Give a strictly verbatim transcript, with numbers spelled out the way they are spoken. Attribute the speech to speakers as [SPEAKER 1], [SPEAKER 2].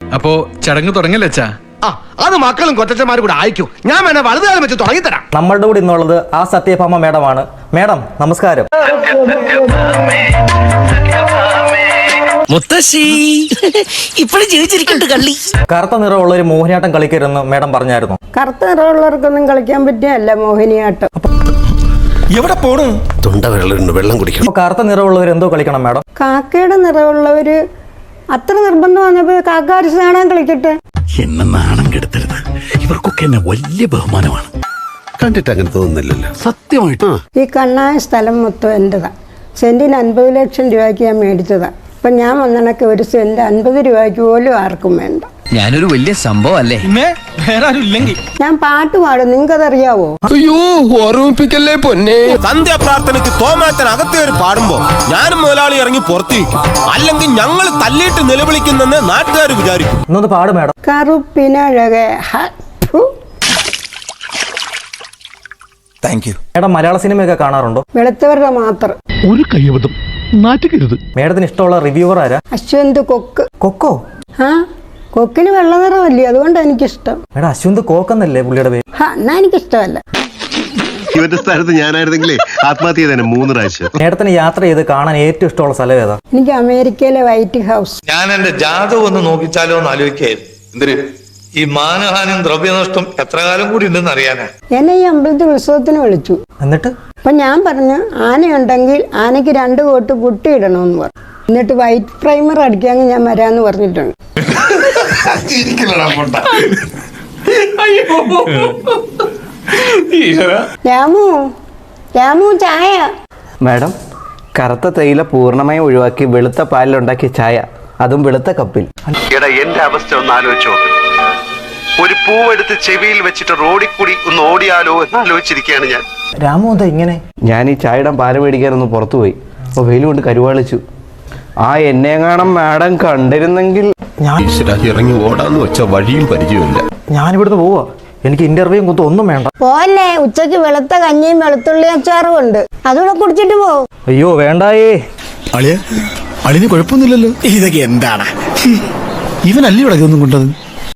[SPEAKER 1] അപ്പോ ചടങ്ങ് തുടങ്ങല്ലേ?
[SPEAKER 2] ആ അത് മക്കളും കൊച്ചന്മാരും കൂടെ അയക്കൂ. ഞാൻ വേണേ വലതുകാലം വെച്ച് തുടങ്ങിത്തരാം.
[SPEAKER 3] നമ്മളുടെ കൂടെ ഇന്നുള്ളത് ആ സത്യഭാമ മേഡമാണ്. മേഡം നമസ്കാരം.
[SPEAKER 4] മുത്തശ്ശി ഇപ്പോഴും ജീവിച്ചിരിക്കണ്ട് കള്ളി.
[SPEAKER 3] കറുത്ത നിറമുള്ള ഒരു മോഹിനിയാട്ടം കളിക്കരുതെന്ന് മേഡം പറഞ്ഞായിരുന്നു.
[SPEAKER 5] കറുത്ത നിറമുള്ളവർക്കൊന്നും കളിക്കാൻ പറ്റിയല്ല മോഹിനിയാട്ടം.
[SPEAKER 4] എവിടെ പോണു? തൊണ്ട വെള്ളം വെള്ളം കുടിക്കണം.
[SPEAKER 3] കറുത്ത നിറമുള്ളവർ എന്തോ കളിക്കണം മേഡം?
[SPEAKER 5] കാക്കയുടെ നിറമുള്ളവര് അത്ര നിർബന്ധം വന്നപ്പോ കാക്ക അരിച്ച് നാടകം കളിക്കട്ടെ.
[SPEAKER 4] എന്നെ നാണം കെടുത്തരുത്. ഇവർക്കൊക്കെ എന്നെ വലിയ ബഹുമാനമാണ്. കണ്ടിട്ട് അങ്ങനെ തോന്നുന്നില്ലല്ലോ. സത്യമായിട്ട്
[SPEAKER 5] ഈ കണ്ണായ സ്ഥലം മൊത്തം എന്റേതാ. സെന്റിന് അൻപത് ലക്ഷം രൂപയ്ക്ക് ഞാൻ മേടിച്ചതാ. ഇപ്പൊ ഞാൻ വന്നണക്ക് ഒരു സെന്റ് അൻപത് രൂപയ്ക്ക് പോലും ആർക്കും വേണ്ട.
[SPEAKER 6] ഞാനൊരു വലിയ സംഭവം അല്ലേ?
[SPEAKER 5] ഞാൻ പാട്ട് പാടും, നിങ്ങൾക്കതറിയാവോ?
[SPEAKER 7] അയ്യോ ഓർമ്മിപ്പിക്കല്ലേ പൊന്നെ.
[SPEAKER 8] സന്ധ്യാ പ്രാർത്ഥനയ്ക്ക് തോമാറ്റൻ അകത്തേറി പാടുമ്പോ ഞാനും മുതലാളി ഇറങ്ങി പുറത്തേക്കും. അല്ലെങ്കിൽ ഞങ്ങൾ തല്ലിയിട്ട് നിലവിളിക്കുന്നെന്ന് നാട്ടുകാർ വിചാരിക്കും.
[SPEAKER 3] ഇന്നൊന്ന് പാട് മേഡം.
[SPEAKER 5] കറുപ്പിനഴകെ
[SPEAKER 3] മേഡം മലയാള സിനിമയൊക്കെ കാണാറുണ്ടോ?
[SPEAKER 5] വെളുത്തവരുടെ മാത്രം.
[SPEAKER 7] ഒരു കയ്യബദ്ധം നാറ്റുകരുത്.
[SPEAKER 3] മേഡത്തിന് ഇഷ്ടമുള്ള റിവ്യൂവർ ആരാ?
[SPEAKER 5] അശ്വന്ത് കൊക്ക്.
[SPEAKER 3] കൊക്കോ?
[SPEAKER 5] ആ കൊക്കിന് വെള്ള നിറമല്ലേ, അതുകൊണ്ടാണ് എനിക്കിഷ്ടം.
[SPEAKER 3] മേഡം അശ്വന്ത് കോക്കെന്നല്ലേ പുള്ളിയുടെ പേര്?
[SPEAKER 5] ഹാ എന്നാ എനിക്കിഷ്ടമല്ല.
[SPEAKER 9] ഇവന്റെ സ്ഥാനത്ത് ഞാനായിരുന്നെങ്കിലേ ആത്മഹത്യ ചെയ്തേനെ മൂന്ന് പ്രാവശ്യം.
[SPEAKER 3] മേഡത്തിന് യാത്ര ചെയ്ത് കാണാൻ ഏറ്റവും ഇഷ്ടമുള്ള സ്ഥലം ഏതാ?
[SPEAKER 5] എനിക്ക് അമേരിക്കയിലെ വൈറ്റ് ഹൗസ്.
[SPEAKER 10] ഞാൻ എന്റെ ജാതകം ഒന്ന് നോക്കിച്ചാലോ എന്ന് ആലോചിക്കായിരുന്നു. എന്തിന്? ഈ മാനഹാനിയും ദ്രവ്യനഷ്ടം എത്ര കാലം കൂടി ഉണ്ടെന്ന് അറിയാനാ.
[SPEAKER 5] എന്നെ ഈ അമ്പലത്തിൽ ഉത്സവത്തിന് വിളിച്ചു.
[SPEAKER 3] എന്നിട്ട്
[SPEAKER 5] അപ്പൊ ഞാൻ പറഞ്ഞു ആനയുണ്ടെങ്കിൽ ആനയ്ക്ക് രണ്ട് കോട്ട് പുട്ടി ഇടണമെന്ന് പറഞ്ഞു. എന്നിട്ട് വൈറ്റ് പ്രൈമർ അടിക്കാമെങ്കിൽ ഞാൻ വരാന്ന് പറഞ്ഞിട്ടുണ്ട്. രാമു രാമു ചായ.
[SPEAKER 11] മാഡം കറുത്ത തേയില പൂർണ്ണമായും ഒഴിവാക്കി വെളുത്ത പാലിലുണ്ടാക്കിയ ചായ, അതും വെളുത്ത കപ്പിൽ.
[SPEAKER 9] എടാ എന്റെ അവസ്ഥ ഒന്ന് ആലോചിച്ചോ. ഒരു പൂവെടുത്ത് ചെവിയിൽ വെച്ചിട്ട് റോഡിൽ കൂടി ഒന്ന് ഓടിയാലോ എന്ന് ആലോചിച്ചിരിക്കുകയാണ് ഞാൻ.
[SPEAKER 3] രാമു എന്താ ഇങ്ങനെ?
[SPEAKER 11] ഞാൻ ഈ ചായയുടെ പാല് മേടിക്കാനൊന്ന് പുറത്തു പോയി. അപ്പോൾ വെയിൽ കൊണ്ട് കരുവാളിച്ചു. ആ എന്നെ കാണാൻ മാഡം കണ്ടിരുന്നെങ്കിൽ.
[SPEAKER 3] ഞാൻ
[SPEAKER 7] ഇറങ്ങി ഓടാന്ന് വെച്ച വഴിയും പരിചയമില്ല.
[SPEAKER 3] ഞാനിവിടുന്ന് പോവാ. എനിക്ക് ഇന്റർവ്യൂയും കുത്തും ഒന്നും വേണ്ട.
[SPEAKER 5] പോലെ ഉച്ചക്ക് വെളുത്ത കഞ്ഞിയും വെളുത്തുള്ളി അച്ചാറും ഉണ്ട്, അതുകൂടെ കുടിച്ചിട്ട് പോ.
[SPEAKER 3] അയ്യോ വേണ്ടായേ.
[SPEAKER 4] അളിയ അളിന് കുഴപ്പമൊന്നുമില്ലല്ലോ. ഇതൊക്കെ എന്താണ്? ഇവനല്ലേ ഇവിടെ ഒന്നും കൊണ്ടത്?